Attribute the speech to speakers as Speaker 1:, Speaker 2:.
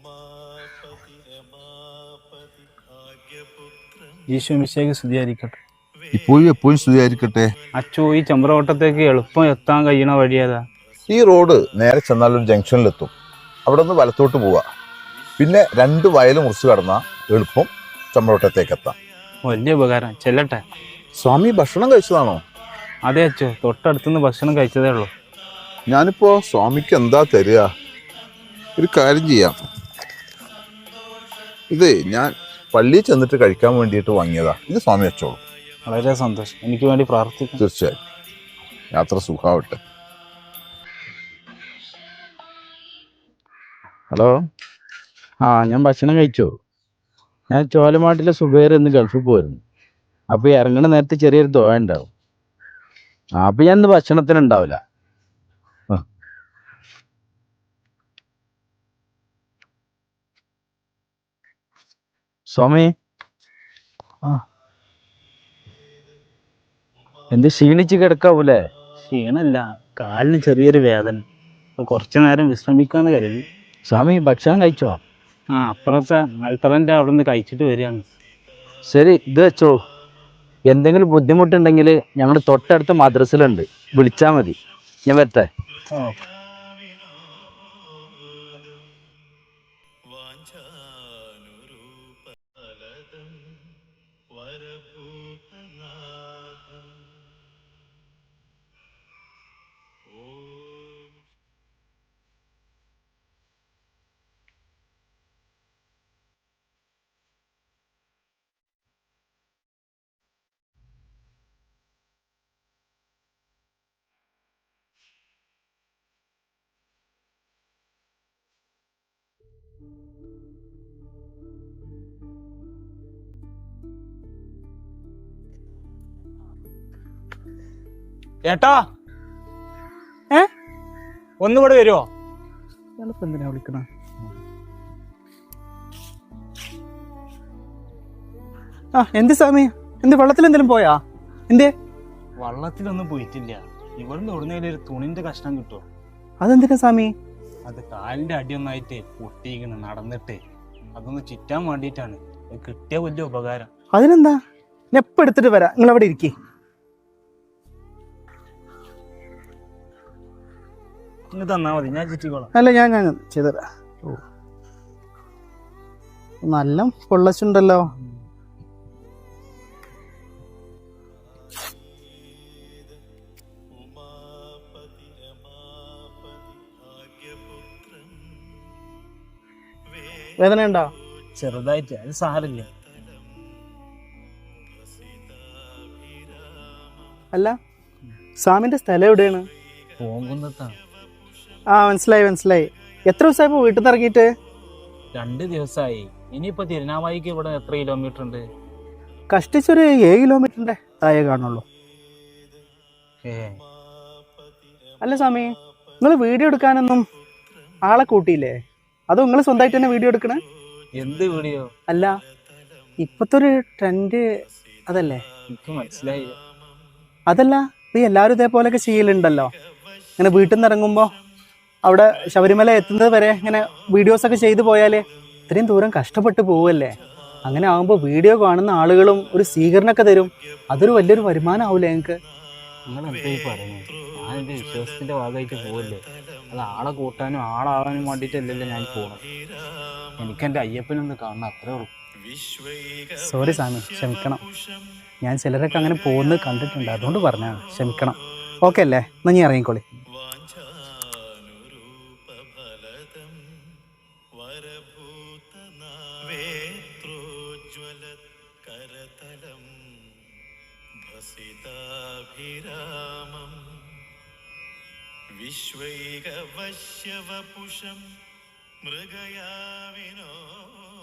Speaker 1: ഈശോ മിശിഹായ്ക്ക് സ്തുതിയായിരിക്കട്ടെ.
Speaker 2: ഇപ്പോഴും എപ്പോഴും സ്തുതിയായിരിക്കട്ടെ.
Speaker 1: അച്ചോ, ഈ ചമ്പ്രവട്ടത്തേക്ക് എളുപ്പം എത്താൻ കഴിയണ വഴിയേതാ?
Speaker 2: ഈ റോഡ് നേരെ ചെന്നാൽ ഒരു ജംഗ്ഷനിലെത്തും. അവിടെ നിന്ന് വലത്തോട്ട് പോവുക. പിന്നെ 2 വയൽ മുറിച്ച് കടന്നാൽ എളുപ്പം ചമ്രവട്ടത്തേക്ക് എത്താം.
Speaker 1: വലിയ ഉപകാരം. ചെല്ലട്ടെ.
Speaker 2: സ്വാമി ഭക്ഷണം കഴിച്ചതാണോ?
Speaker 1: അതെ അച്ചോ, തൊട്ടടുത്തുനിന്ന് ഭക്ഷണം കഴിച്ചതേ ഉള്ളൂ.
Speaker 2: ഞാനിപ്പോ സ്വാമിക്ക് എന്താ തരിക? ഒരു കാര്യം ചെയ്യാം. ഇത് ഞാൻ പള്ളിയിൽ ചെന്നിട്ട് കഴിക്കാൻ വേണ്ടിയിട്ട് വാങ്ങിയതാ. ഇത് സ്വാമി വെച്ചോളൂ.
Speaker 1: വളരെ സന്തോഷം. എനിക്ക് വേണ്ടി പ്രാർത്ഥിക്കും.
Speaker 2: തീർച്ചയായും. യാത്ര സുഖാവട്ടെ.
Speaker 3: ഹലോ. ഞാൻ ഭക്ഷണം കഴിച്ചു. ഞാൻ ചോലമാട്ടിലെ സുബൈർ എന്ന് ഗൾഫിൽ പോയിരുന്നു. അപ്പോൾ ഇറങ്ങണ നേരത്തെ ചെറിയൊരു ദോഴ ഉണ്ടാവും. അപ്പോൾ ഞാൻ ഇന്ന് ഭക്ഷണത്തിനുണ്ടാവില്ല. സ്വാമി, എന്ത് ക്ഷീണിച്ച് കിടക്കാവൂലേ?
Speaker 1: ക്ഷീണല്ല, കാലിന് ചെറിയൊരു വേദന. കുറച്ചു നേരം വിശ്രമിക്കാന്ന് കരുതി.
Speaker 3: സ്വാമി ഭക്ഷണം കഴിച്ചോ?
Speaker 1: അപ്പുറത്തെ അൾത്തറൻ്റെ അവിടെ നിന്ന് കഴിച്ചിട്ട് വരികയാണ്.
Speaker 3: ശരി, ഇത് വെച്ചോ. എന്തെങ്കിലും ബുദ്ധിമുട്ടുണ്ടെങ്കിൽ ഞങ്ങൾ തൊട്ടടുത്ത മദ്രസയിലുണ്ട്, വിളിച്ചാൽ മതി. ഞാൻ വരട്ടെ.
Speaker 1: ഏട്ടാ, ഒന്നുകൂടെ വരുമോ?
Speaker 4: എന്തിനാ വിളിക്കണ? എന്ത് സ്വാമി, എന്ത് വെള്ളത്തിൽ എന്തെങ്കിലും പോയാ? എന്തേ?
Speaker 1: വള്ളത്തിലൊന്നും പോയിട്ടില്ല. ഇവിടുന്ന് ഉടനേലും ഒരു തുണിന്റെ കഷ്ണം കിട്ടുമോ?
Speaker 4: അതെന്തിനാ സ്വാമി?
Speaker 1: അത് കാലിന്റെ അടിയൊന്നായിട്ട് പൊട്ടിയിരിക്കുന്നു നടന്നിട്ട്. അതൊന്ന് ചുറ്റാൻ വേണ്ടിയിട്ടാണ്. കിട്ടിയ വലിയ ഉപകാരം.
Speaker 4: അതിനെന്താ, ഞാൻ എപ്പോൾ എടുത്തിട്ട് വരാം. നിങ്ങൾ അവിടെ ഇരിക്കേ.
Speaker 1: ഇങ്ങ് തന്നാ മതി, ഞാൻ ചുറ്റിക്കോളാം.
Speaker 4: അല്ല, ഞാൻ ചെയ്തരാ. നല്ല പൊള്ളച്ചുണ്ടല്ലോ. വേദന ഉണ്ടോ?
Speaker 1: ചെറുതായിട്ട്, അത് സാരമില്ല.
Speaker 4: അല്ല, സ്വാമിന്റെ സ്ഥലം എവിടെയാണ്?
Speaker 1: പോകുന്നതാണ്.
Speaker 4: മനസ്സിലായി. എത്ര ദിവസമായപ്പോ വീട്ടിൽ നിന്ന് ഇറങ്ങിയിട്ട്?
Speaker 1: 2 ദിവസമായി. ഇനിയിപ്പോ തിരുനാവായിക്ക് ഇവിടെ എത്ര കിലോമീറ്റർ ഉണ്ട്?
Speaker 4: കഷ്ടിച്ചൊരു 7 കിലോമീറ്ററിന്റെ താഴെ കാണുള്ളൂ. അല്ല സ്വാമി, നിങ്ങൾ വീഡിയോ എടുക്കാനൊന്നും ആളെ കൂട്ടിയില്ലേ? അതോ നിങ്ങൾ സ്വന്തമായിട്ട് തന്നെ വീഡിയോ എടുക്കണേ?
Speaker 1: എന്ത് വീഡിയോ?
Speaker 4: അല്ല, ഇപ്പത്തെ ഒരു ട്രെൻഡ് അതല്ലേ?
Speaker 1: എനിക്ക് മനസ്സിലായില്ല.
Speaker 4: അതല്ല, ഇപ്പൊ എല്ലാവരും ഇതേപോലെയൊക്കെ ചെയ്യലുണ്ടല്ലോ. ഇങ്ങനെ വീട്ടിൽ നിന്ന് ഇറങ്ങുമ്പോൾ അവിടെ ശബരിമല എത്തുന്നത് വരെ ഇങ്ങനെ വീഡിയോസൊക്കെ ചെയ്തു പോയാലേ ഇത്രയും ദൂരം കഷ്ടപ്പെട്ട് പോവല്ലേ. അങ്ങനെ ആകുമ്പോൾ വീഡിയോ കാണുന്ന ആളുകളും ഒരു സ്വീകരണമൊക്കെ തരും. അതൊരു വലിയൊരു വരുമാനം ആവൂലേ നിങ്ങൾക്ക്?
Speaker 1: നിങ്ങൾ എന്തായി പറയുന്നത്? ഞാൻ എൻ്റെ വിശ്വാസത്തിന്റെ ഭാഗമായിട്ട് പോവല്ലേ. അത് ആളെ കൂട്ടാനും ആളാവാനും വേണ്ടിയിട്ടല്ലല്ലോ ഞാൻ പോകണം. എനിക്കെൻ്റെ അയ്യപ്പനൊന്ന് കാണണം, അത്രേ ഉള്ളൂ.
Speaker 4: സോറി സ്വാമി, ക്ഷമിക്കണം. ഞാൻ ചിലരൊക്കെ അങ്ങനെ പോകുന്നത് കണ്ടിട്ടുണ്ട്, അതുകൊണ്ട് പറഞ്ഞാണ്. ക്ഷമിക്കണം. ഓക്കെ അല്ലേ? എന്നാ നീ ഇറങ്ങിക്കോളി.
Speaker 5: വിശ്വൈകവശ്യവപുഷം മൃഗയാവിനോ